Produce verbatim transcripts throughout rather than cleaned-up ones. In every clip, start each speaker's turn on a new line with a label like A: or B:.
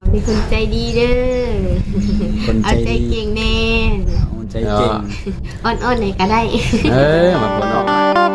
A: มีคนใจดีเด้อ
B: คน
A: เอา
B: ใจ
A: ใจ
B: ดี
A: เก่งแน่
B: เอาใจเก่ง
A: อ่อนๆไหนก็ได้
B: เออมาปวดออก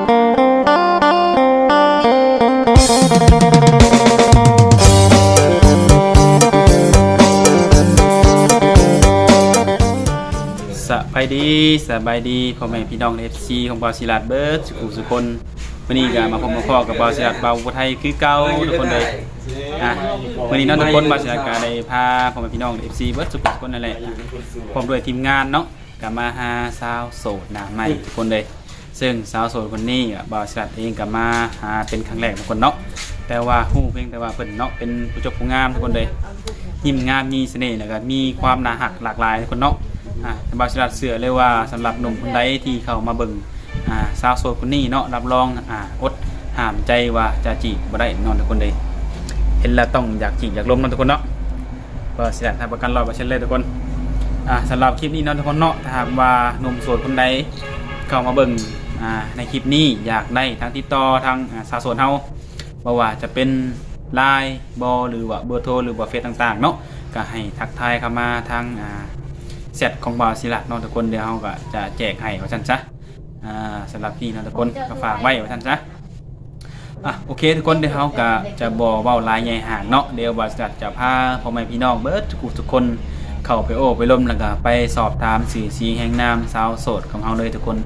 B: สบายดีสบายดีพ่อแม่พี่น้อง เอฟ ซี ของบาวศิลาดเบิร์ดสุขุสุคนวันนี้ก็มาพบมาพอกับบาวศิลาดบาวอุทัยคือเก่าทุกคนเลยอ่ะวันนี้น้องทุกคนบาวศิลาดก็ได้พาพ่อแม่พี่น้อง เอฟ ซี เบิร์ดสุขุสุคนนั่นแหละพร้อมด้วยทีมงานเนาะก็มาหาสาวโสดหน้าใหม่ทุกคนเลยซึ่งสาวโสดคนนี้บาวศิลาดเองก็มาหาเป็นครั้งแรกทุกคนเนาะแต่ว่าฮู้เพียงแต่ว่าเพิ่นเนาะเป็นผู้จบผู้งามทุกคนเลยยิ้มงามมีเสน่ห์แล้วก็มีความน่ารักหลากหลายทุกคนเนาะอ่าบาวศิลาดเสือเลยว่าสำหรับหนุ่มคนใดที่เข้ามาเบิ่งอ่าสาวโสดคนนี้เนาะรับรองอ่าอดห้ามใจว่าจะจีบบ่ได้นอนทุกคนเลยเห็นแล้วต้องอยากจีบอยากล้มนอนทุกคนเนาะบาวศิลาดรับประกันร้อยเปอร์เซ็นต์เลยทุกคนอ่าสำหรับคลิปนี้เนาะทุกคนเนาะถ้าหากว่าหนุ่มโสดคนใดเข้ามาเบิ่งอ่าในคลิปนี้อยากได้ทางติดต่อทางอ่าสาวโสดเฮาบ่ว่าจะเป็น ไลน์ บอหรือว่าเบอร์โทรหรือว่าเฟซต่างๆเนาะก็ให้ทักทายเข้ามาทางอ่าเซตของบาวศิลาดเนาะทุกคนเดี๋ยวเฮาก็จะแจกให้ว่าซั่นซะอ่าสำหรับพี่เนาะทุกคนก็ฝากไว้ว่าซั่นซะอ่ะโอเคทุกคนเดี๋ยวเฮาก็จะบ่เว้าหลายใหญ่ห่างเนาะเดี๋ยวบาวศิลาดจะพาพ่อแม่พี่น้องเบิดทุกทุกคนเข้าไปโอ้ไปล้มแล้วก็ไปสอบถามสื่อสีแห่งนามสาวโสดของเฮาเลยทุกคน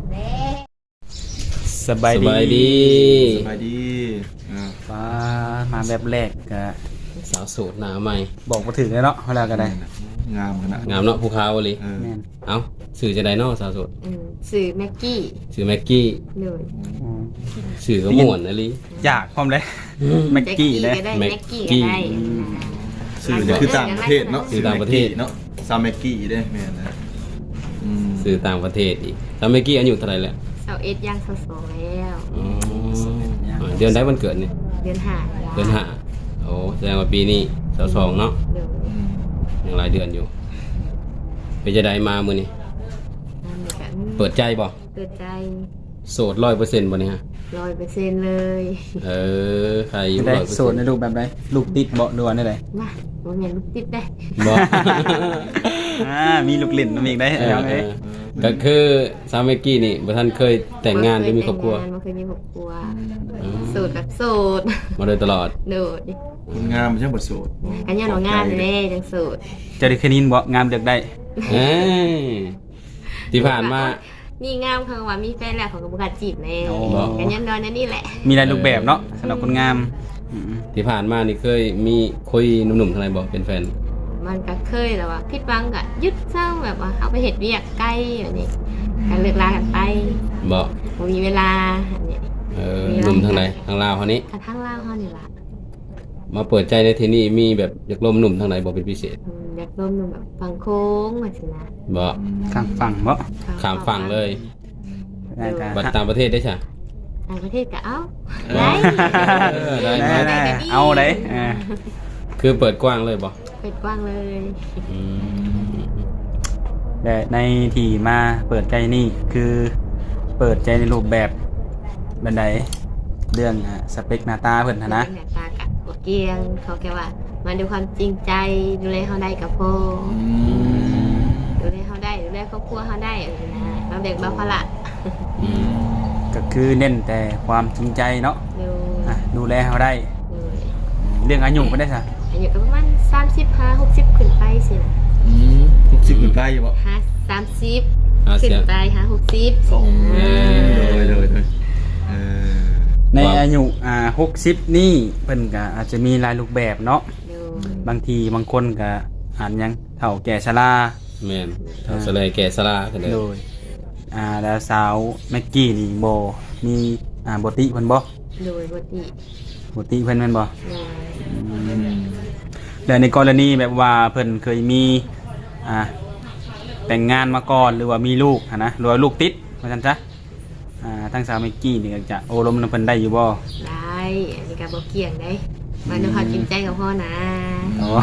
B: สบายดี
C: สบายดี
D: สบายดีอ่า
B: มามาแบบแรกก็
C: สาวโสดหน้าใหม่
B: บอกบ่ถึงเลยเนาะเวลาก็ได้
D: งามขนาด
C: งามเนาะภูเขาเลย
D: เออ
B: แม่น
C: เอ้าสื่อจะได้เนาะสาวโสด
A: อืมสื่อแม็กกี้
C: สื่อแม็กกี้
A: เลย
B: อืม
C: สื่อก็ม่วนนะลิ
B: อยากพร้อมเลยแม็กกี้เลย
A: ก็ได้
C: แม็
A: แม็
C: ก
A: ก
C: กี้
A: กี้ก็ได้
D: สื่อเนี่ยคือต่างประเทศเนาะ
C: สื่อต่างประเทศ
D: เนาะซาเมกี้เด้แม่นนะอืม
C: สื่อต่างประเทศอีกสาวแม็กกี้อายุเท่าไหร่แล้ว
A: เสาเอ็ดย่างเสาสองแล้ว
C: อ๋อเดือนได้วันเกิดนี่
A: เดือนห้า
C: เดือนห้าโอ้แสดงว่าปีนี้สาวสองเนาะ
A: เดือน
D: อืม
C: ยังหลายเดือนอยู่เป็นจะได้มามื้อนี้
A: นั่นเหมือนกัน
C: เปิดใจบ่
A: เปิดใจ
C: โสดร้อยเปอร์เซ็นต์บ่เนี่ยฮะ
A: ร้อยเปอร์เซ็นต์เลย
C: เออใครอยู่
B: ได้
C: ร้อยเปอร์
B: โส
C: เซ็
B: ด
C: น
B: ใน
C: ต์
B: รูปแบบใดลูกติดเบาะด่วนได้เลย
A: มาโรงเรียนลูกติดได้
C: บ่
B: อ่ามีลูกเล่นมีอีกได้
C: เออ
B: เอา
C: เอ
B: เอ้ย
C: อก็คือสาวแม็กกี้นี่บ่ทันเคยแต่งงานหรือมีครอบครัว
A: บ่เคยมีครอบครัว
C: อืม
A: โสดแบบโสด
C: มาโดยตลอด
A: โดด
D: คนงามไม่ใช่บทสวด
A: กันยันว่างานเลยจังโสด
B: จะได้แค่นี้บ่งามเลือกได้
C: เอ้ยที่ผ่านมา
A: นี่งามเขาว่ามีแฟนแล้วเขาก็บ่กล้าจีบแน่
B: โอ้
A: กันยันนอนนั่นนี่แหละ
B: มีหลายรูปแบบเนาะสำหรับคนงามอืม
C: ที่ผ่านมานี่เคยมีคุยหนุ่มๆทางไหนบอกเป็นแฟน
A: มันก็เคยแล้วว่าผิดหวังก็ยึดเศร้าแบบว่าเอาไปเฮ็ดเวียกใกล้แบบนี้กันเลิกลากันไป
C: บอก
A: บ่มีเวลาอันนี้
C: เออหนุ่มทางไหนทางลาวเขานี้
A: กระทั่งลาวเฮานี่ล่ะ
C: มาเปิดใจในที่นี่มีแบบอยากลมหนุ่มทางไหนบอกเป็นพิเศษ
A: อืมอยากร่วมหนุ่มแบบฟังโค้งว่าสินะ
C: บอก
B: ข้างฝั่งบ่
C: ข้ามฝั่งเลย
B: ง่ายกัน
C: บัตรต่างประเทศได้ใช่
A: ต่างประเทศก็เอ้า
C: เออ
A: ได้
C: ได้
B: ได้ได้เอาได้อ่า
C: คือเปิดกว้างเลยบอก
A: เปิดกว้างเลย
C: อืม
B: แต่ในที่มาเปิดใจนี่คือเปิดใจในรูปแบบบันไดเรื่องอ่ะสเปคหน้าตาเพิ่นหั้นนะ
A: หน้าตากะบ่เกียงเขาแค่ว่ามาด้วยความจริงใจดูแลเฮาได้กับพ่อ
D: อืม
A: ดูแลเฮาได้ดูแลครอบครัวเฮาได้เออนะเราเด็กบ่ภาระ
C: อืม
B: ก็คือเน้นแต่ความจริงใจเนาะ
A: ดู
B: อ่ะดูแลเขาได้
A: ดู
B: เรื่องอายุไม่ได้ซะ
A: อายุก็ประมาณสามสิบห้า หกสิบขึ้นไปสินะ
D: อืมหกสิบขึ้นไปอยู่บ่
A: ห้าสามสิบ
C: อา
A: ขึ้
C: เซี
A: น
C: ยน
A: ไปห้าหกสิบ
D: สอง
C: เออ
D: เลยเลยเลยเออ
B: ในอายุอ่าหกสิบนี่เพิ่นก็อาจจะมีหลายรูปแบบเนาะ
A: ดู
B: บางทีบางคนก็อ่านหยังเฒ่าแก่ชรา
C: แมนเอาสลายแก่สลากันเลย
B: โดยอ่าแล้วสาวแม็กกี้นี่บ่มีอ่าบติเพิ่นบ่
A: โดยปกติ
B: บติเพิ่นแม่นบ่
A: โดย
D: อืม
B: แล้วในกรณีแบบว่าเพิ่นเคยมีอ่าแต่งงานมาก่อนหรือว่ามีลูกหั้นนะหรือว่าลูกติดว่าซั่นซะอ่าทั้งสาวแม็กกี้นี่ก็จะโอลมนำเพิ่นได้อยู่บ่
A: ได้อันนี้ก็บ่เกี่ยงได้มาด้วยความจริงใจกับพ่อนะ
B: อ๋อ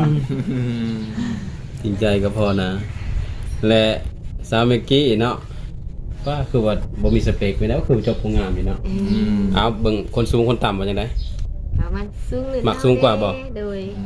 C: จริงใจก็พอนะ และสาวเมกกี้เนาะก็คือว่าบ่มีสเปคไปแล้วคือจบผู้งามอยู่เนาะ
A: เอ
D: อื
A: อ
D: ม
C: เอาเบิ่งคนสูงคนต่ำว่าจังได๋
A: ประมาณสูงหรือ
C: มักสูงกว่าบ่
A: โดย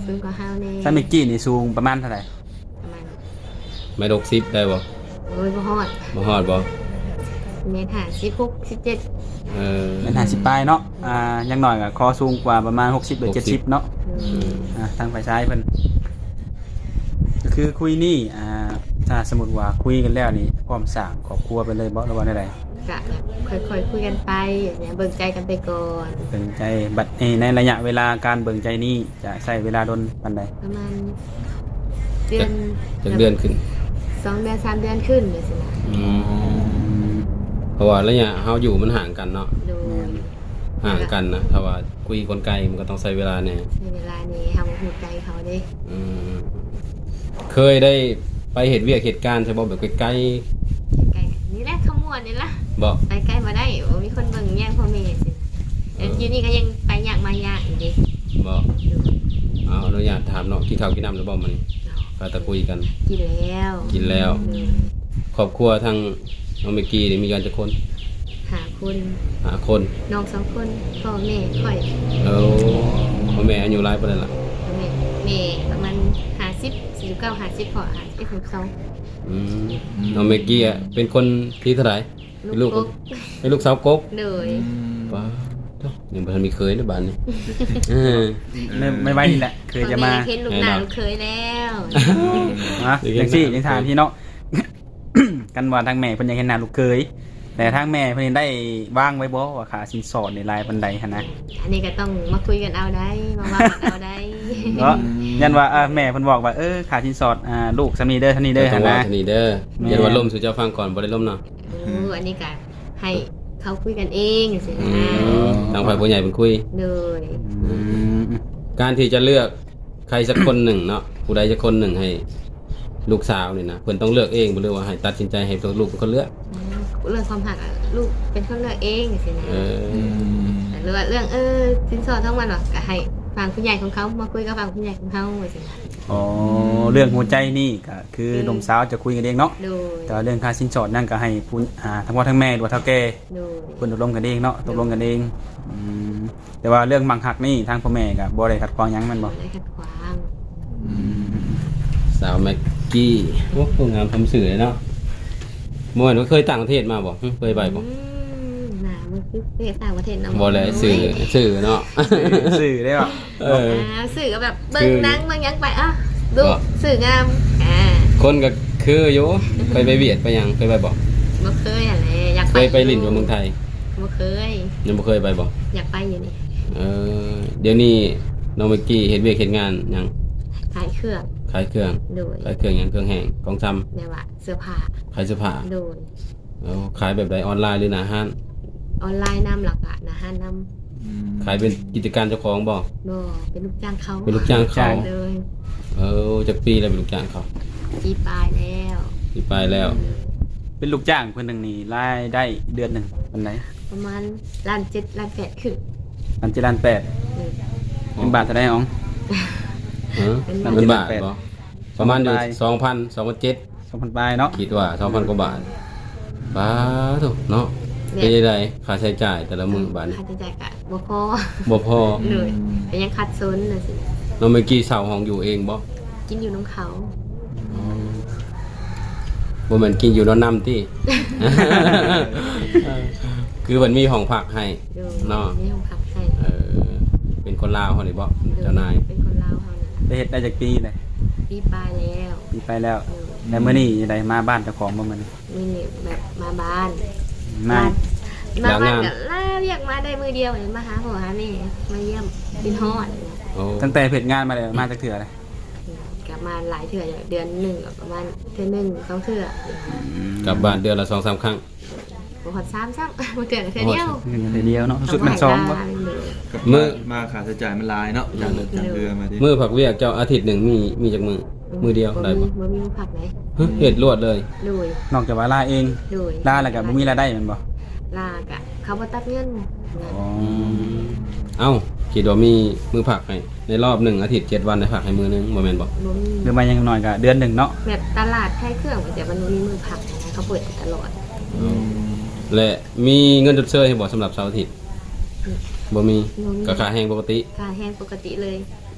A: สูงกว่าเฮาแน่
B: ซามิกี้นี่สูงประมาณเท่าไหร่
A: ประมาณ
C: ไม่ดกซิปได้บ่
A: โอ้ยบ่ฮอด
C: บ่ฮอดบ่
A: เมตรห้าสิบหกสิบเจ็ด
C: เออ
B: เป็นห้าสิบปลายเนาะอ่ายังหน่อยก็คอสูงกว่าประมาณหกสิบหรือเจ็ดสิบเนาะ
C: อืม
B: อ่าทางฝ่ายชายเพิ่นก็คือคุยนี่อ่าถ้าสมมุติว่าคุยกันแล้วนี่พร้อมสร้างครอบครัวไปเลยบ่หรือว่าใด
A: กะแบบค่อยๆคุยกันไปอย่างเงี้ยเบิ่งใจกันไปก่อน
B: ๆเบิ่งใจบัดเอ้ยในระยะเวลาการเบิ่งใจนี้จะใช้เวลาดนปานใด
A: ประมาณเดือน
C: จักเดือนขึ้น
A: สองเดือนสามเดือนขึ้นเลยสินะ
C: อืมเพราะว่าระยะเฮาอยู่มันห่างกันเนาะ
A: โดย
C: ห่างกันนะถ้าว่าคุยคนไกลมันก็ต้องใช้เวลาแน่
A: ในเวลานี้ทำหูใจเขาเด้
C: อืมเคยได้ไปเฮ็ดเวียกเหตุการณ์ใช่บ่แบบใกล้
A: ใกล้ๆนี่แหละขมวดนี่ละ
C: ๆบ่
A: ไปใกล้มาได้โอ้มีคนเบิ่งแย่งพ่อแม่สิแต่อยู่นี่ก็ยังไปยากมายากอีกดิ
C: บ่เอาอนุญาตถามเนาะกินข้าวกินน้ำหรือบ่มื้อนี้ก็ตะคุยกัน
A: กินแล้ว
C: กินแล้ว
A: เออ
C: ครอบครัวทางน้องเมกี้นี่มีกันจักคน
A: หาคน
C: หาคน
A: น้องสองคนพ่อแม่ค่อย
C: แล้วพ่อแม่อายุหลายปานใดล่ะ
A: พ่อแม่แม่ประมาณห้าสิบสี่สิบเก้าห้าสิบพอห้าสิบหกสอง
C: อืมน้องเมกี้อ่ะเป็นคนที่เท่าไหร่เป็นลูก
A: กุ๊ก
C: เป็นลูกสาวกก
A: เลย
C: ว้าวเจ้ายังบ่ทันมีเคยเลยบ้านนี้เออ
B: ไม่ไม่ไหวนี่แหละคือจะมา
A: พ่อแเห็นลูกหลานลูกเคยแล้ว
B: นะจังซี่จังถามพี่เนาะ กันว่าทางแม่เพิ่นยังเห็นหน้าลูกเคยแต่ทางแม่เพิ่นได้วางไว้บ่ว่าค่าสินสอดในรายปานใดหั่นนะ
A: อันนี้ก็ต้องมาคุยกันเอาได้มาว่ากันเอาได้
B: เนาะยันว่าอ่าแม่เพิ่นบอกว่าเออค่าสินสอดอ่าลูกสามีเด้อเท่านี้เด้อ
C: ต้
B: หั่
C: อน งว่า
B: นะ
C: เท่านี้เด้ออย่าว่าล่มสู่เจ้าฟังก่อนบ่ได้ล่มเนาะ
A: โอ้อันนี้ก็ให้เขาคุยกันเองสิ
C: อื
A: นะ
C: มทางฝ่ายผู้ใหญ่เป็นคุย
A: เลย
B: อืม
C: การที่จะเลือกใครสักคนหนึ่งเนาะผู้ใดสักคนหนึ่งให้ลูกสาวนี่นะเพิ่นต้องเลือกเองบ่หรือว่าให้ตัดสินใจให้ตัวลูกเป็นคนเลือก
A: เรื่องความหักอะลูกเป็นคนเลือกเองสินะ
C: เออ
D: อืม
A: แต่เรื่องเรื่องเออสินสอดทั้งวันหรอกก็ให้ฟังผู้ใหญ่ของเขามาคุยกับฟังผู้ใหญ่ของเขาสินะ
B: อ๋อเรื่องหัวใจนี่ก็คือหนุ่มสาวจะคุยกันเองเนาะ
A: โดย
B: แต่ว่าเรื่องค่าสินสอดนั่นก็ให้ผู้อ่าทั้งพ่อทั้งแม่หรือว่าเท่าแก่
A: โดย
B: เพิ่นตกลงกันเองเนาะตกลงกันเองอืมแต่ว่าเรื่องบังคับนี่ทางพ่อแม่ก็บ่ได้ขัดขวางหยังแมันบ่
A: ได้ขัดขวาง
B: อืม
C: สาวแม็กกี้โอ้ผู้งามทำสื่อเลยเนาะบ่แม่นว่าเคยต่างประเทศมาบ่หึเคยไปบ่
A: อืมน่ะมันคือประเทศต่างประเทศเนาะ
C: บ่เลยสื่อสื่อเนาะ
B: สื่อได้ป่ะ
C: เออ
A: อ่าสื่อก็แบบเบิ่
C: คื
A: ง
C: อ
A: หนังเบิ่งหยังไปอ่ะดู
C: ก็
A: สื่องามอ่า
C: คนก็คืออยู่เคยไปเวียดไปหยังเคยไปบ่
A: บ่เคยอะไรอยาก
C: เค
A: ไป
C: ยไปลิ้นอยู่เมืองไทย
A: บ่เคย
C: ยังบ่เคยไปบ่
A: อยากไปอยู่นี่
C: เออเดี๋ยวนี้น้องเมกกี้เฮ็ดเวียกเฮ็ดงานหยัง
A: ขายเครื่อง
C: ขายเครื่อง
A: โดย
C: ขายเครื่องหยังเครื่องแห้งกองซ้ำ
A: แม่ว่าเสื้อผ้า
C: ขายเสื้อผ้า
A: โดย
C: เอาขายแบบใดออนไลน์หรือหน้าห้าน
A: ออนไลน์นำหลักอะนะฮะน
D: อืม
C: ขายเป็นกิจการเจ้าของบ่
A: ำบ่เป็นลูกจ้างเขา
C: เป็นลูกจ้างเขา
A: เลย
C: เออจักปีแล้วเป็นลูกจ้างเขา
A: จีปลายแล้ว
C: ปีไปแล้ว
B: เป็นลูกจ้างเพิ่นหนึงนี่รายได้เดือนหนึงปานใด
A: ประมาณล้านเจ็ดล้านแปดขึ้น
B: อันจิรันแปด
A: เออ
B: เป็นบาทเท่าใดอ๋อง
C: เออ
A: เป็น
C: เป็นบาท
B: แปด
C: บ่ประมาณอยู่
B: ส
C: ส
B: อ
C: อง ง
B: พั
C: พั
B: น
C: นสองพันเจ็ด
B: สองพันปลายเนาะ
C: คิดว่าสองพันกว่าบาทบาทถูกเนาะเป็นยังไงค่าใช้จ่ายแต่ละมื้อบาท
A: ค่าใช้จ่ายกะบ่พอ
C: บ่พอ
A: เลยแต่ยังขาดซนน่ะสิ
C: น้องเมื่อกี้เช่าห้องอยู่เองบ่
A: กินอยู่น้ำเขา
C: บ่แม่นกินอยู่นอนน้ำติ คือมันมีห้องพักให้
A: โดย
C: เนาะ
A: มีห้องพักให้
C: เออเป็นคนลาวเขานี่บ่เจ้านาย
A: เป็นคนลาวเขาเนี่ย
B: ได้เฮ็ดได้จากปีเลย
A: ปีปลายแล้ว
B: ปีไปแล้ว
A: เออ
B: แล้วมื้อนี้ได้มาบ้านเจ้าของบ่มื้อนี้
A: มีแบบมาบ้าน
B: มา
A: มาบ้านกับล่าเรียกมาได้มือเดียวเลยมาหาพ่อหาแม่มาเยี่ยมกินฮอด
C: โอ้
B: ตั้งแต่เฮ็ดงานมาเลยมาจากเถื่อเลย
A: กลับมาหลายเถื่ออยู่เดือนหนึ่งกับประมาณเดือนหนึ่งสองเถื่อก
C: ลับบ้านเดือนละ สองสาม ครั้ง
A: บ่ฮอดสามซ้ำ มาเถื่อกับเถื่อเดียว
B: เถื่อเดียวเนาะสุดมันซ้อมบ่
D: กับ
C: มื้อ
D: มาค่าใช้จ่ายมันหลายเนาะจากเลือกจากเรือมาดิ
C: มื้อผักเวียกเจ้าอาทิตย์หนึงมีมีจักมื้อมื้อเดียวได้บ่
A: บ่มีผักไหน
C: ฮะเฮ็ดรวดเลย
A: โดย
B: นอกจากว่าลาเอง
A: โดย
B: ลาแล้วก็บ่มีรายได้แม่นบ่
A: ลากะเขาบ่ตัดเงิน
B: อ๋อ
C: เอ้าคิดว่ามีมื้อผักให้ในรอบหนึ่งอาทิตย์เจ็ดวันได้ผักให้มื้อหนึงบ่แม่นบ่
A: บ่มี
B: หรือมายังน้อยก็เดือนหนึงเนาะ
A: แบบตลาดไทยเครื่องแต่มันบ่มีมือผักนะเขาเปิดตลอด
D: อืม
C: และมีเงินชดเชยให้บ่สำหรับเสาร์อาทิตย์บ่มี
A: บ่มี
C: ก็ค่าแห้งปกติ
A: ค่าแห้งปกติเลย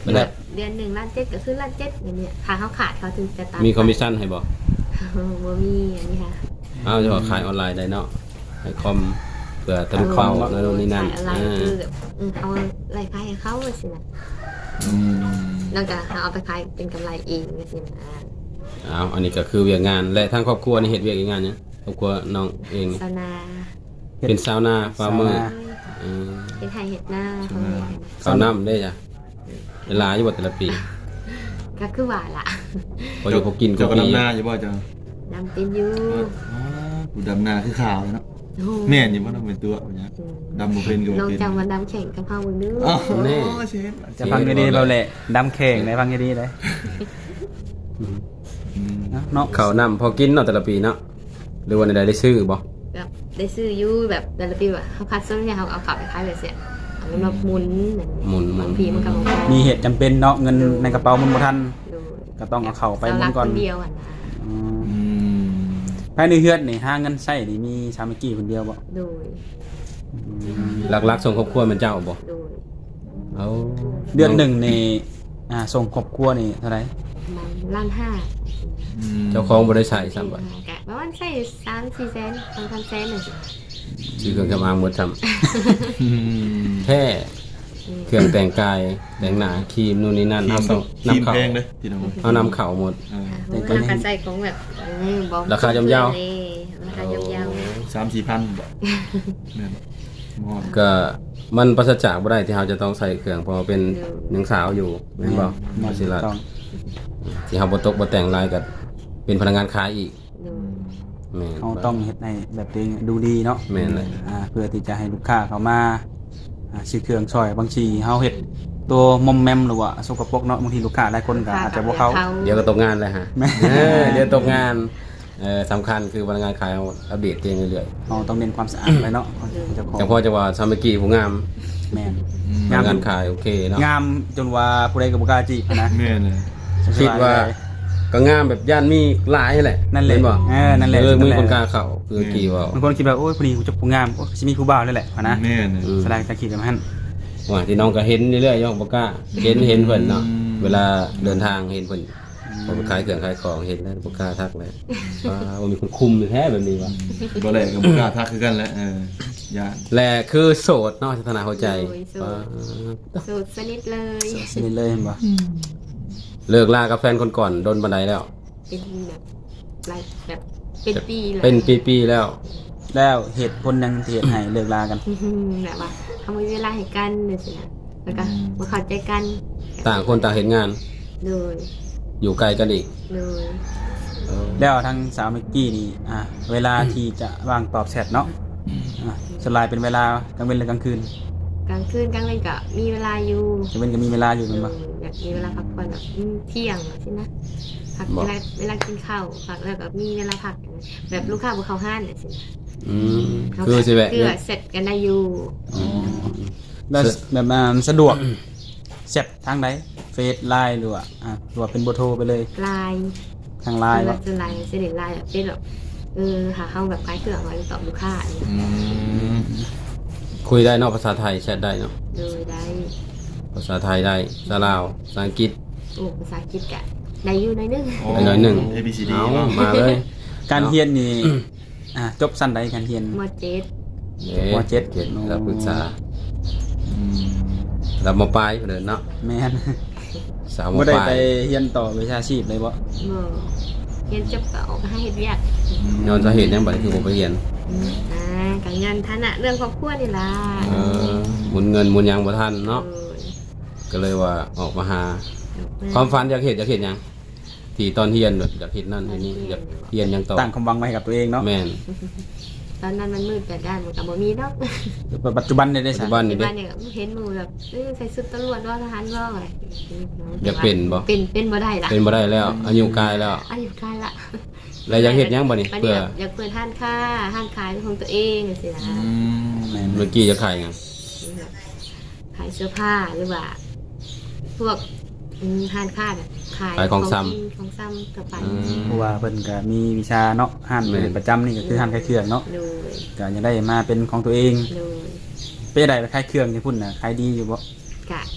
A: แบบเดือนหนึ่งล้านเจ็ดก็คือล้านเจ็ดอย่างเนี้ยถ้าเขาขาดเขาถึงจะตาม
C: มีคอมมิชชั่นให้บ่
A: บ่มีอันนี้ค่ะ
C: อ้าวจะว่าขายออนไลน์ได้เนาะให้คอมเพื่อทะลุเป้านั่นนี่นั่น
A: ขายอะไร
C: อ่า
A: คือแบบอืมเอาอะไรขายให้เขาสินะ
D: อืม
A: นอกจากเอาไปขายเป็นกำไรเองสินะ
C: อ้าวอันนี้ก็คือเวียกงานและทางครอบครัวนี่เฮ็ดเวียกอีกงานหยังครอบครัวน้องเอง
A: ซาวนา
C: เป็นซาวนาฟาร์มเมอร์
B: ซาวนา
C: อืม
A: เป็นไทยเห็ดหน้าเขาเรียก
C: ข้าวน้ำได้จ้ะเวลาอยู่บ่แต่ละปี
A: ก็คือว่าละ
C: พออยู่พอกินก็
D: เจ้าก็
C: ปี
D: ดำหน้าอยู่บ่เจ้า
A: ดำเป็นอยู่
D: อ๋อกูดำหน้าคือขาวเลยเนาะ
A: โอ้โห
D: แม่นอยู่บ่ต้องเป็นตัวแบบนี้ดำบ่เป็นก็บ่
A: ลอง
D: เป็น
A: จำวันดำแข่งกับพ่อมือนึง
D: อ๋อเชฟ
B: จะฟังดีๆเบาแหละดำแข่งได้ฟังดีๆเลย
D: อืม
B: เนาะ
C: ข้าวน้ำพอกินเนาะแต่ละปีเนาะหรือว่าใดๆได้ซื้อบ่
A: แบบได้ซื้ออยู่แบบแต่ละปีแบบเขาคัดซื้อเนี่ยเขาเอาขับไปขายเลยเสียเอามันมาหมุน
C: หมุน
A: บางทีมันก็บาง
B: มีเหตุจำเป็นเนาะเงินในกระเป๋ามันบ่ทัน
A: ดู
B: ก็ต้องเอาเข้าไปหมุ
A: สำหรั
B: น
A: บ
B: ก่อน
A: คนเดียวอ่ะนะ
B: อืม
D: อืม
B: ภายในเฮือนนี่หาเงินใช้นี่มีสามีกี่คนเดียวบ่
A: ดู
C: หลักๆส่งครอบครัวเป็นเจ้าบ่
A: ดู
C: เอา
B: เดือนหนึ่งนี่อ่าส่งครอบครัวนี่เท่าไหร่
A: มันล้านห้า
D: อืม
C: เจ้าของบ่ได้ใช้ซ้ำบ่
A: กะประมาณใส่สามสี่แสนสองสามแสนหนึ่ง
C: ซื้อเครื่องสำอางหมดซ้ำ
D: อืม
C: แค่เครื่องแต่งกายแต่งหน้าครีมนู่นนี่นั่น
D: ที
C: เฮาม ต้อง
D: ทีม
C: นำเข้า
D: แพงเลยพี่น้อง
C: เฮานำเข้าหมด
D: อ่า
A: เวลาการใส่ของแบบเออบอก
C: ราคาย่อมเยา
A: ราคาย่อมเยา
D: สามสี่พันบ่แม่นมอด
C: ก็มันปราศจากบ่ได้ที่เราจะต้องใส่เครื่องเพอเป็นหญิงสาวอยู่แม่นบ่บ่สิล่ะ
B: ต้อง
C: ที่เฮาบ่ตกบ่แต่งลายก็เป็นพนักงานขายอีก
A: ดู
C: แม่น
B: เขาต้องเฮ็ดให้แบบตัวเองดูดีเนาะ
C: แม่นเลย
B: อ่าเพื่อที่จะให้ลูกค้าเขามาอ่าซื้อเครื่องช่วยบางทีเฮาเฮ็ดตัวมอมแมมหรือว่าสกปรกเนาะบางทีลูกค้าหลายคนก็อาจจะบ่เข้า
C: เดี๋ยวก็ตกงานเลยฮะ
B: แม่
C: เออเดี๋ยวตกงานเออสำคัญคือพนักงานขายเอาอัปเดตตัวเองเรื่อย
B: เราต้องเน้นความสะอาดไว้เนาะเจ้าขอ
C: ๆ
B: ง
C: จังพอจะว่าซามิกี้ผู้งาม
B: แม่น
C: พนักงานขายโอเคเนาะ
B: งามจนว่าผู้ใดก็บ่กล้าจีบนะ
D: แม่นเลย
C: คิดว่าก็งามแบบย่านมีหลายแหละ
B: นั่นแหละ
C: ห็บ่
B: เออนั่นแหละ
C: เออ
B: นั่
C: มี
B: นแหละ
C: คนกล้าเข้าคือกี่ว่า
B: บางคนคิดแบบโอ้ยผู้นี้กูจะผู้งามโอ้ยสิมีผู้บ่าวเลยแหละว่านะ
D: แม่นเลย
B: แสดงจะคิดแบบนั้น
C: ว่าที่น้องก็เห็นเรื่อยๆย่องบ่กล้าเห็นเห็นเพิ่นเนาะ
D: อืม
C: เวลาเดินทางเห็นเพิ่นพอไปขายเครื่องขายของเห็นแล้วบ่กล้าทักเลยว่าบ่มีคนคุมแท้แบบนี้ว่ะ
D: บ่แลก็บ่กล้าทักคือกันแหละเออย่าน
C: และคือโสดเนาะสถานะหัวใจว่า
A: สูตรสนิทเลย
B: สนิทเลยเห็นบ่
C: เลิกลากับแฟนคนก่อนโดนบันไดแล้ว
A: เป็นแบบหลายแบบเป็นปีเลย
C: เป็นปีๆแล้ว
B: แล้วเหตุผลหยังที่เฮ็ดให้เลิกลากัน
A: แบบว่าทำเวลาให้กันเลยสินะแล้วก็มาเข้าใจกัน
C: ต่างคนต่างเห็นงาน
A: โดย
C: อยู่ไกลกันอีก
A: โดย
B: แล้วทั้งสาวเมกกี้นี่อ่าเวลาที่จะว่างตอบแชทเนาะอ่าสลายเป็นเวลากลางวันหรือกลางคืน
A: กลางคืนกลางวันก็มีเวลาอยู่
B: จะเป็นก็มีเวลาอยู่แม่นบ่
A: แบบมีเวลาพักผ่อนแบบอืมเที่ยงใช่ไหมพัก
C: บ
A: เว
C: อก
A: ลาเวลากินข้าวพักแล้วก็มีเวลาพักแบบลูกค้าบุกเข้าห้านเนี่ยสินะ
C: อืมคือสิแบะ
A: คือเสร็จกันได้อยู่
B: แล้วแบบอ่าสะดวกแชททางใดเฟซไลน์หรือว่าอ่าหรือว่าเป็นเบอร์โทรไปเลย
A: ไลน์
B: ทางไลน์
A: เว
B: บ่
A: ลาจะไลน์เสด็จไลน์แบบเป็นแบบเออหาเข้าแบบคล้ายเครื่องไว้ตอบลูกค้าอย่างเงี้ย
D: อืม
C: คุยได้เนาะภาษาไทยแชทได้เนาะ
A: โดยได้
C: ภาษาไทยได้ภาษาลาวภาษาอังกฤษ
A: โอ้ภาษาอังกฤษกะได้อยู่หน่อยนึง
C: ได้หน่อยหนึ่ง
D: A B C D
C: เอา
D: เนาะ
C: มาเลย
B: การเรียนนี่อ่าจบสั้นใดการเรียน
A: มอเจ็ด
B: มเจ็ด
C: เจ็ดรับปรึกษา
D: อืม
C: รับมาปลายเดินเนาะ
B: แม่น
C: สาว
B: บ่
C: มา
B: ได้
C: ปลาย
B: ไปเรียนต่อวิชาชีพเลยบ่
A: บ่เรียนจบก็ออกมาให้เฮ็ดเวียก
C: ย้อนสาเหตุยังบ่ได้คือผมไปเรียน
A: อ่าการงานฐานะเรื่องครอบครัวนี่ล่ะ
C: เออหมุนเงินหมุนหยังบ่ทันเนาะ
A: โดย
C: ก็เลยว่าออกมาหา ความฝันอยากเห็นอยากเห็นหยังที่ตอนเรียนแบบอยากเห็นนั่นเห็นนี่อยากเรียนหยังต่อ
B: ตั้งความหวังไว้ให้กับตัวเองเนาะ
C: แม่น
A: ตอนนั้นมันมืดแต่ด้านมันก็บ่มีดอก
B: ปัจจุบันได้ได้
C: ปัจ
B: ซะ
C: จุบันนี่
A: ที่
C: เด้
A: บ้านเนี่ยก็เห็นหมู่แบบเอ้ยใส่ชุดตำรวจว่าทหารว่าอะไร
C: อยากเป็นบ่
A: เป็นเป็นบ่ได้ล่ะ
C: เป็นบ่ได้แล้วอายุกลายแล้ว
A: อายุกลายละ
C: แล้วอยากเห็นหยังบ่นี่
A: บัด
C: เพื่อ
A: แบบอยากเปิดห้านค้าห้านขายเป็นของตัวเองจังซี่นะ
D: อืม
B: แม่น
C: เมื่อกี้จะขายหยัง
A: ขายเสื้อผ้าหรือว่า พวกอืมห้านค้าแบบขาย
C: ขายของซ้ำ
A: กินของซ้ำกับไป
C: อืม
B: เพราะว่าเพิ่นก็มีวิชาเนาะห้าน
C: แม่น
B: เป็นประจำนี่ก็คือห้านขายเครื่องเนาะ
A: โดย
B: ก็จะได้มาเป็นของตัวเอง
A: โดย
B: ไปได้ไปขายเครื่องที่พุ่นน่ะขายดีอยู่บ่
A: กะ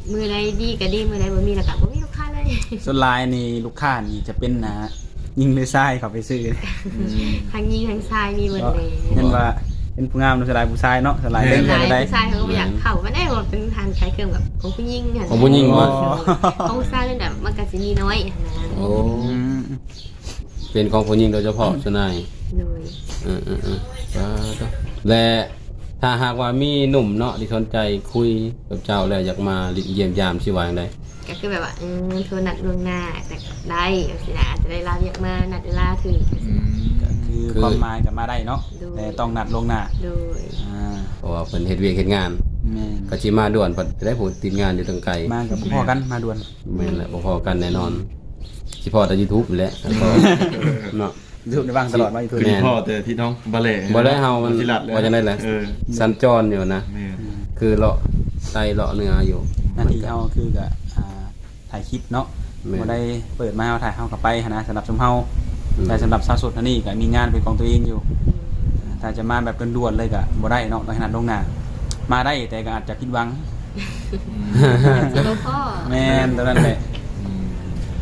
A: มือใดดีก็ดีมือใดบ่มีแล้วก็บ่มีลูกค้าเลย
B: ส่วนหลายนี่ลูกค้านี่จะเป็นนะยิงหรือทรายเขาไปซื้อ
A: ทั้งยิงทั้งชายมีหมดเลย
B: เห็นว่าเป็นผู้งามสลายผู้ชายเนาะสลายเล่น
A: ชา
B: กัน
A: ย
B: ได้
A: ผู้ชายเขาก็บ่อยากเข้ามันได้ว่าเป็นทางขายเครื่องแบบของผู้หญิงหั่น
C: ของผู้หญิงว่า
A: ของผู้ชายเล่นแบบมันก็สิมีน้อยหั่นนะ
C: โอ้เป็นของผู้หญิงโดยเฉพาะชนาย
A: โดย
C: เออเออเออว้าวเด้อและถ้าหากว่ามีหนุ่มเนาะที่สนใจคุยกับเจ้าแล้วอยากมาเยี่ยมยามสิว่าจังได
A: ก็คือแบบว่าเออโทรนัดล่วงหน้าแต่ได้สินะอาจจะได้ลาเรียกมานัดเวลาถึง
D: อืม
B: คือความหมายกับมาได้เนาะ
A: ดู
B: แต่ต้องนัดลวงหน้า
A: โดย
B: อ่า
C: เพราะว่าเพิ่นเฮ็ดเวียกเฮ็ดงาน
B: แม่น
C: ก็สิมาด่วนเพิ่นจะได้ผู้ติดงานอยู่ทางไกล
B: มากับพ่อกันมาด่วน
C: แม่นแหละบ่พอกันแน่นอนสิพอแต่ YouTube นี่แหละแล้วก็เนาะ
B: อยู่ในบ้างตลอดมาอยู่ทุก
C: แม่
D: พี่พ่อแต่ที่น้องบาเล่
C: บ่ได้เฮามัน
D: ที่รัดเลย
C: ว่าจังได๋แหละ
D: เออ
C: สัญจรอยู่นะ
D: แม่น
C: คือเลาะไตเลาะเนื้ออยู่
B: หน้าที่เฮาคือกับอ่าถ่ายคลิปเนาะ
C: แม่น
B: บ่ได้เปิดมาเฮาถ่ายเฮาก็ไปหั้นนะสำหรับชมเฮา
C: อืม
B: แต่สำหรับสาวสดอันนี้ก็มีงานเป็นของตัวเองอยู่ ถ้าจะมาแบบด่วนๆเลยก็บ่ได้เนาะต้องให้นัดลวงหน้ามาได้แต่ก็อาจจะผิดหวัง
A: จะรู้พ่อ
B: แม่นตอนนั้นแหละ
D: อืม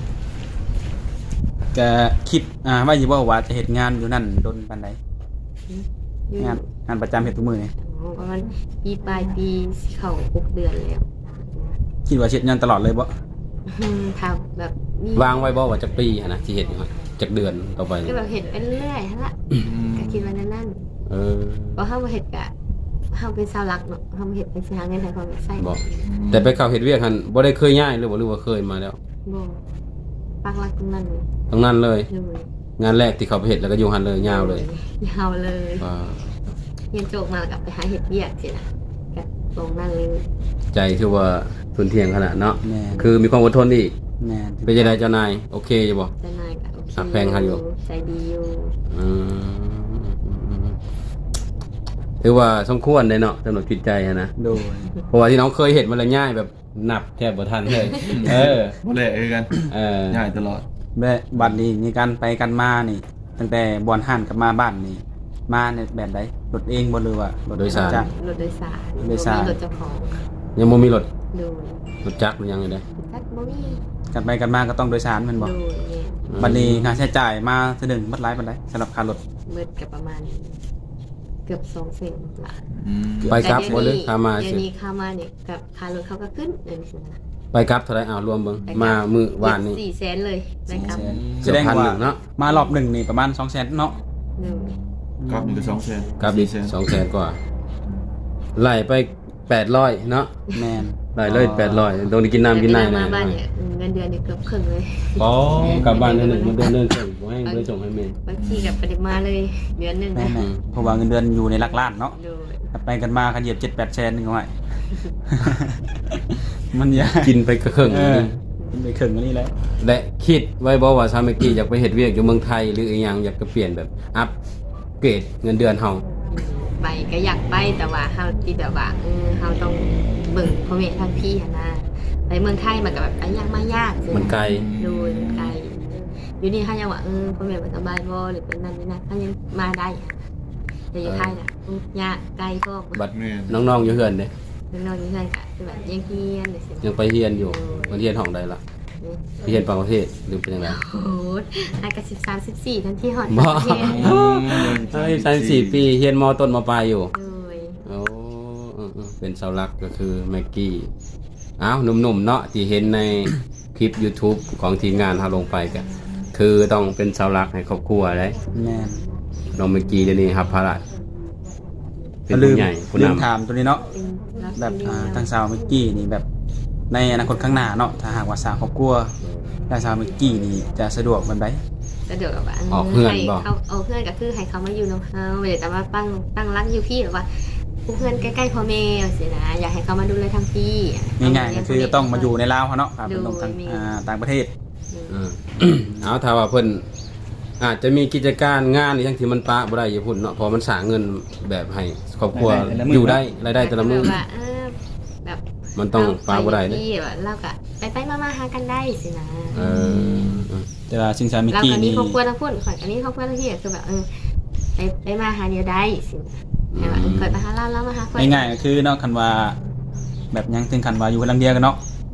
B: ก็คิดอ่าว่าอยู่ว่าว่าจะเฮ็ดงานอยู่นั่นดนปานใด
A: อยู่
B: งานงานประจำเฮ็ดทุกมื้อนี่
A: ประมาณปีปลายปีเข้าหกเดือนแล้ว
B: คิดว่าเฮ็ดงานตลอดเลยบ่
A: อืมทำแบบมี
C: วางไว้บ่ว่าจักปีหันนะสิเฮ็ดอยู่หั่นจักเดือนต่อไป
A: ก็แบบเห็ดไปเรื่อยๆฮะละก็คิดว่านั่น
C: เออ
A: ๆพอเฮาบ่เห็ดกะเฮาเป็นชาวรักเนาะเฮาบ่เห็ดไปสิหาเงินให้พ่อแม่ใช้
C: บ่ แต่ไปเข้าเฮ็ดเวียกหันบ่ได้เคยย้ายหรือบ่หรือว่าเคยมาแล้ว
A: บ่ปักหลักตรงนั้นเลย
C: ตรงนั้นเลย
A: เลย
C: งานแรกที่เขาไปเฮ็ดแล้วก็อยู่หันเลยยาวเลย
A: ยาวเลย
C: ว่า
A: เรียนจบมาแล้วกลับไปหาเห็ดเวียกสินะก็ตรงนั้นเลย
C: ใจที่ว่าทุนเทียงขนาดเนาะ
B: แม่น
C: คือมีความอดทนอีก
B: แม่น
C: เป็นจังไดเจ้านายโอเคอยู่บ่
A: แต่นายก็โอเค
C: อ่ะแพงเขาอยู่
A: ใจดีอยู่
C: อืมถือว่าสมควรเลยเนาะสำหรับจิตใจอะนะ
B: โดย
C: เพราะว่าที่น้องเคยเห็นมันละง่ายแบบนับแทบบ่ทันเลย เออ
D: บาเล่เออกัน
C: เออ
D: ง่ายตลอด
B: แม่บัดนี้ในการไปกันมานี่ ตั้งแต่บ่อนห้านกลับมาบ้านนี่มาในแบบใดรถเองบ่หรือว่ารถ
C: โดยสาร
B: จ้าง
A: รถโดยสาร
B: โดยสาร
A: บ่มีรถเจ้าของ
C: ยังบ่มีรถ
A: โดย
C: รถจักรหรือยังไงเด้
A: จักบ่มี
B: กันไปกันมาก็ต้องโดยสารแม่น
A: โด
B: บ่
A: ยเนี่ย
B: บัดนี้ค่าใช้จ่ายมาเทื่อหนึงบัดหลายปานใดสำหรับค่ารถ
A: เบิดกับประมาณ เกือบสองแสนละ
D: อืม
C: ไปกลับบ่หรือขามา
A: เดี๋ย
C: สิ
A: วนี้ค่ามาเนี่ยกับค่ารถเขาก็ขึ้นเออสินะ
C: ไปกลับเท่าไหร่อ้าวรวมเบิ่งมามื้อวานนี้
A: สี่แสนเลยไปกลับ
B: แสดง
C: พันห
B: ว่า
C: นึ่งเนาะ
B: มารอบหนึ่งนี่ประมาณ สองแสน เนาะ
A: หนึ่ง
D: กลับมันก็สองแสน
C: กลับอีก
D: สี่แสน
C: สองแสนกว่าไล่ไปแปดร้อยเนาะ
B: แม่น
C: ไล่เลยแปดร้อยตรงนี้กินน้ำกิน
A: แต่
C: น้ำ
A: เวลา
C: นะ
A: มาบ้านเนี่ยเงินเดือนเนี่ยเกือบครึ่งเลย
C: อ๋อกลับบ้านเดือนหนึ่งมาเดือนเดือนส่งบ่ให้เดือนส่งให้แม่
A: บางทีกับปริมาเลยเดือนหนึ่ง
B: แม่
A: นะ
B: นๆเพราะว่าเงินเดือนอยู่ในหลักล้านเนาะ
A: โดย
B: ถ้าไปกันมาคันเหยียบเจ็ดแปดแสนนึงเอาไว้ มันยาก
C: กินไปกระเครื่อง
B: เออกินไปครึ่งอันนี้แหละ
C: และคิดไว้บ่ว่าซาเมกี้อยากไปเฮ็ดเวียกอยู่เมืองไทยหรืออีหยังอยากจะเปลี่ยนแบบอัพเกรดเงินเดือนเฮา
A: ไปก็อยากไปแต่ว่าเฮาที่แบบว่าเออเฮาต้องเบิ่งพ่อแม่ทางพี่หั่นนะไปเมืองไทยมันก็แบบไปยากมายากสิ
C: มันไกล
A: โดยมันไกลอยู่นี่เฮายังว่าเออพ่อแม่บ่สบายบ่หรือเป็นนั่นนี่นะเฮายังมาได้อะแต่อยู่ไทยน่ะอือยากไกลก็
C: บัด
D: แม่น
C: น้องๆอยู่เฮือนเด้
A: นอนอยู่เฮือนก็คือแบบยังเฮียนเลยสิ
C: ยังไปเรียนอยู่มันเรียนห้องใดล่ะไปเรียนต่างประเทศหรือเป็นจังได
A: โอ้โหอายก็สิบสาม สิบสี่ทันที่ฮอด
C: บ่
A: ประเทศ
C: เฮ้ยสามสิบสี่ปีเรียนมต้นมปลายอยู่
A: โดย
C: โอ้เออๆเป็นเสาหลักก็คือแม็กกี้อ้าวหนุ่มๆเนาะที่เห็นใน คลิป YouTube ของทีมงานเฮาลงไปก็คือต้องเป็นเสาหลักให้ครอบครัวได้
B: แม่น
C: น้องแม็กกี้เดี๋ยวนี้ครับภาระเป็น
B: ลื
C: ผู้
B: ม
C: ใหญ่ผู้
B: ลืม
C: นำ
B: ถามตัวนี้เนาะ
A: เป็นรับ
B: แบบ
A: เลี้ย
B: อ่าง ทางสาวเมื่อกี้นี่แบบในอนาคตข้างหน้าเนาะถ้าหากว่าสาวครอบครัวได้สาวเมื่อกี้นี่จะสะดวกมันได
A: สะดวกแบบว่า
C: ออกเพื่อน
A: ให้
C: บ่
A: เขาเอาเพื่อนก็คือให้เขามาอยู่เนาะเฮาไม่ได้แต่ว่าตั้งตั้งรักอยู่พี่แบบว่าผู้เพื่อนใกล้ๆพ่อแม่สินะอยากให้เขามาดูแลทางพี่
B: ง่ายๆก็คือต้องมาอยู่ในลาวเขาเนาะครับเป็นต้องทางอ่าต่างประเทศ
C: อ่า เอาถ้าว่าเพิ่นอาจจะมีกิจการงานอีหยังที่มันปะบ่ได้อยู่พุ่นเนาะเพอมันสร้างเงินแบบให้ครอบครัว
B: รายได้แต่ละมื้อ
C: อยู่ได้รายได้แต่ละมื้อ
A: แบบว่าเออแบบ
C: มันต้องปะบ่ได้เด้
A: พี่แบบเราก็ไปไปๆมาๆหากันได้สินะ
C: เออ
B: แต่ว่าชิงสาวเมื่อ
A: เรา
B: กี้
A: กันนี้
B: นี่
A: ครอบครัวทั้งพุ่นข่อยกันนี้ครอบครัวทั้งพี่คือแบบเออไปไปมาหาเดียวได้สินะแต่ว่าเออเกิดมาหาเราแล้วมาหาข่อย
B: ง่ายๆก็คือเนาะคันว่าแบบยังถึงคันว่าอยู่คนลังเดียวกันเนาะ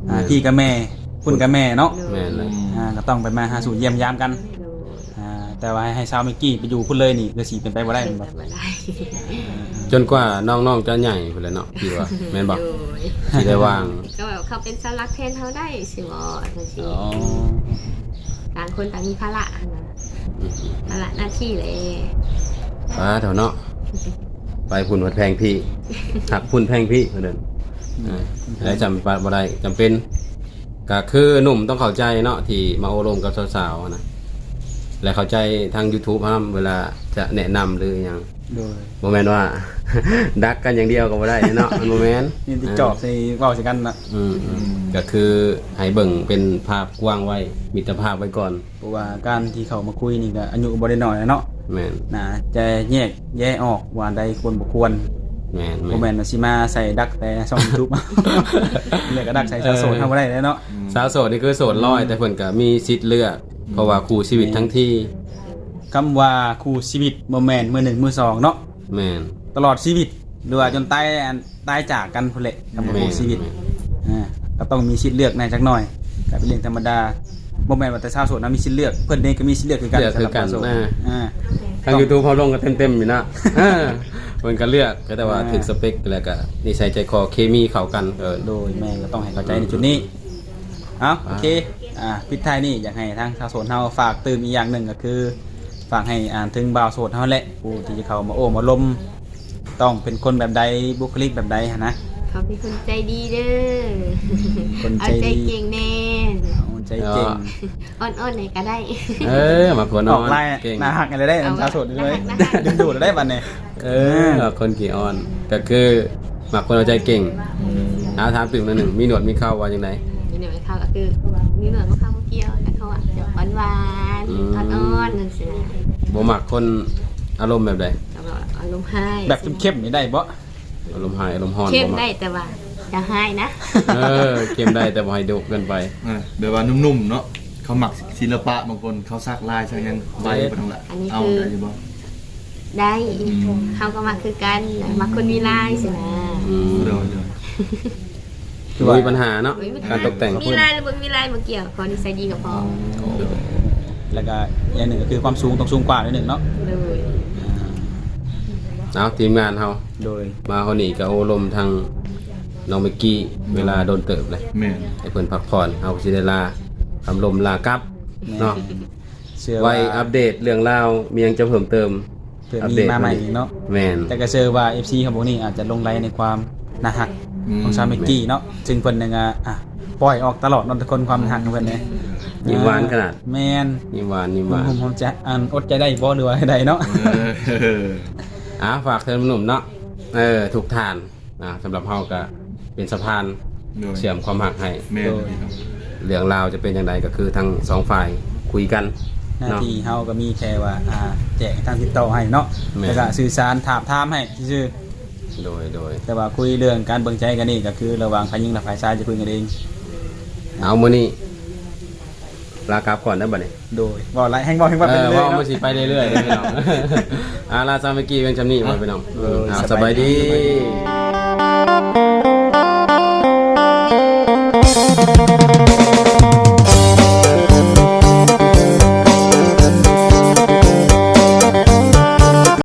B: อ่าพี่กับแม่คุณกับแม่เนาะ
C: แม่นเลย
B: อ่าก็ต้องไปมาหาสู่เยี่ยมยามกัน
A: โดย
B: อ่าแต่ว่าให้ชาวเมกกี้ไปอยู่พุ่นเลยนี่ก็สิเป็นไปบ่ได้
A: เป็
B: แม่
A: น
B: น
A: ไป
B: บ่
A: บ่ได้
C: จนกว่าน้องๆจะใหญ่พุ่นแหล้วเนาะพี่ว่าแม่นบ่
A: โดย
C: สิได้ว่าง
A: ก็แบบเขาเป็นสลักแทนเขาได้สิบ่จังซี่
B: อ๋อ
A: ต่างคนต่างมีภาระนะภาระหน้าที่เลย
C: ป้าเถอะเนาะไปพุ่นวัดแพงพี่หักพุ่นแพงพี่เพิ่นเดินอ่าแล้วจำบ่ได้จำเป็นก็คือหนุ่มต้องเข้าใจเนาะที่มาโอารมกับสาวๆนะและเข้าใจทาง YouTube ห้ามเวลาจะแนะนำหรือหยัง
B: โดย
C: บ่แม่นว่า ดักกันอย่างเดียวก็บ่ได้เนาะมันบ่แม่น
B: นี่ที่จอบใส่เว้าใส่กันน่ะ
C: อืมอืมก็คือให้เบิ่งเป็นภาพกว้างไว้มิตรภาพไว้ก่อน
B: เพราะว่าการที่เขามาคุยนี่ก็อายุบ่ได้น้อยนะเนาะ
C: แม่น
B: นะจะแยกแยกออกว่าใดควรบ่ควร
C: แม่น
B: บ่
C: แม่น
B: แม่นว่าสิมาใส่ดักแต่ช่อง YouTube เนี่ยก็ดักใส่ชาวโสดทำบ่ได้เลยเนาะ
C: สาวโสดนี่คือโสดร้อยแต่เพิ่นก็มีสิทธิ์เลือก เพราะว่าคู่ชีวิตทั้งที่
B: คำว่าคู่ชีวิตบ่แม่นมื้อหนึ่งมื้อสองเนาะ
C: แม่น
B: ตลอดชีวิตหรือว่าจนตายอันตายจากกันพุ่นแหละคำว่าคู่ชีวิตอ่าก็ต้องมีสิทธิ์เลือกในจักหน่อยก็เป็นเรื่องธรรมดาบ่แม่นว่าแต่ชาวโสดนะมีสิทธิ์เลือกเพิ่นเองก็มีสิทธิ์เลือกคือกัน
C: เลือกคือกัน
B: สำหรับชาวโสด
C: นะ
B: อ่า
C: ทาง YouTube เขาลงกันเต็มๆอยู่นะ เออเพิ่นก็เลือกก็แต่ว่าถึงสเปคแล้วก็นิสัยใจคอเคมีเข้ากันเออ
B: โดยแม่ก็ต้องให้เข้าใจในจุดนี้เอาโอเคอ่าปิดท้ายนี่อยากให้ทางชาวโสดเฮาฝากเติมอีกอย่างหนึ่งก็คือ ฝากให้อ่านถึงบ่าวโสดเฮาแหละผู้ที่จะเข้ามาโอ้มาลมต้องเป็นคนแบบใดบุคลิกแบบใดหันนะ
A: เขาเป็นคนใจดีเด้อ
B: คน
A: เอา
B: ใจ
A: ใจ
B: ดี
A: เก่งแน่
B: เอาใจเก่ง
A: อ่อนๆไหนก็ได้
C: เออมาคนน
B: อ
C: อ
B: อก
C: น
B: ไล่
C: เก่ง
B: หน้าหักอะไรได้
A: เอา
B: ชาวโสดด้วย
A: หน้าหัก
B: ดึงดูดได้บัดเนี่ย
C: เออคนกี่ออน ก็คือมักคนเอาใจเก่งอาถามถึงนั่นหนึ่งมีหนวดมีเข้าว่าจังได
A: มีหน่วยข้าวก็คือมีหน่วยมะขามมะเกี้ยวแต่เขาอ่ะจะหวานหวานๆ
C: อืม
A: อ่อนๆนั่นสินะ
C: บ่มักคนอารมณ์แบบใด
A: แล้วก็อารมณ์ให้
B: แบบเข้มๆนี่ได้บ่
C: อารมณ์หายอารมณ์ฮ้อน
A: เข้ม
C: บ่มัก
A: ได้แต่ว่าจะให้นะ
C: เออเข้มได้แต่บ่ให้ดุเกินไป
D: อ่าแบบว่านุ่มๆเนาะเขาหมักศิลปะบางคนเขาซักลายซักหยังไว้ไปทั้งละเอาได้อยู่บ่
A: ได้เขาก็มาคือกันมาคนมีลายสินะ
C: อืม
D: เดี๋ยวเดี๋ยว
C: คือมีปัญหาเนาะการตกแต่ง
A: มีลายหรือบ่มีลายมาเกี่ยวพอนิสัยดีกับพอ
B: แล้วก็อย่างหนึ่งก็คือความสูงต้องสูงกว่านิดหนึ่งเนาะ
A: เลย
C: เอาทีมงานเฮา
B: โดย
C: มาคนนี้ก็โอลมทางน้องเมกกี้เวลาโดนเติบเลย
D: แม่น
C: ให้เพิ่นพักผ่อนเฮาสิได้ลาทำลมลากลับเนาะ
B: เชื่อ
C: ไว้
B: ว่า
C: อัปเดตเรื่องราวมีหยังจะเพิ่มเติม
B: เพื่อ
C: อัป
B: มี
C: เดต
B: มาใหม่อีกเนาะ
C: แม่น
B: แต่ก็เชื่อว่า เอฟ ซี ของพวกนี้อาจจะลงไลน์ในความน่าหักของชาวเมกกี้เนาะซึ่งเพิ่นยังอ่ะปล่อยออกตลอดเนนทุกคนความน่าหักของเพิ่นเนี่ย
C: ยิ้มหวานขนาด
B: แมน
C: ยิ้มหวานยิ้มห
B: ผม
C: วาน
B: ผมผมจะอ่านอดใจได้บ่หรือว่าใดเนาะ
D: เออ
C: อ่ะฝากเธอหนุ่มๆเนาะเออถูกทานอ่ะสำหรับเฮาก็เป็นสะพาน
D: โดย
C: เชื่อมความหักให้
D: แม่นพี่น้อง
C: เรื่องราวจะเป็นอย่างไรก็คือทั้งสองฝ่ายคุยกัน
B: หน้า
C: เนาะ
B: ที่เฮาก็มีแค่ว่าอ่าแจกทางติดต่อให้เนาะ
C: แม่น
B: แล้วก็สื่อสารถามถามให้ซื่อ
C: โดยโดย
B: ๆแต่ว่าคุยเรื่องการเบิ่งใจกันนี่ก็คือระหว่างฝ่ายหญิงและฝ่ายชายจะคุยกันเอง
C: เอามื้อนี้ลากลับก่อนได้บ่เนี่ย
B: โดยเว่าไรแห้งบอกแห้งว่า
C: เอ
B: เป็น
C: อ
B: เรื่อ
C: ว่าย
B: ๆ
C: มั
B: เนาะ
C: นสิไปเรื่อยๆเด้อพี่น้อง อาลาซาเมกี้เป็นจำนี่มาพี่น้อง
B: เออ
C: อ่า
B: ส
C: ส
B: บา
C: บาย ย
B: ดี
C: ดี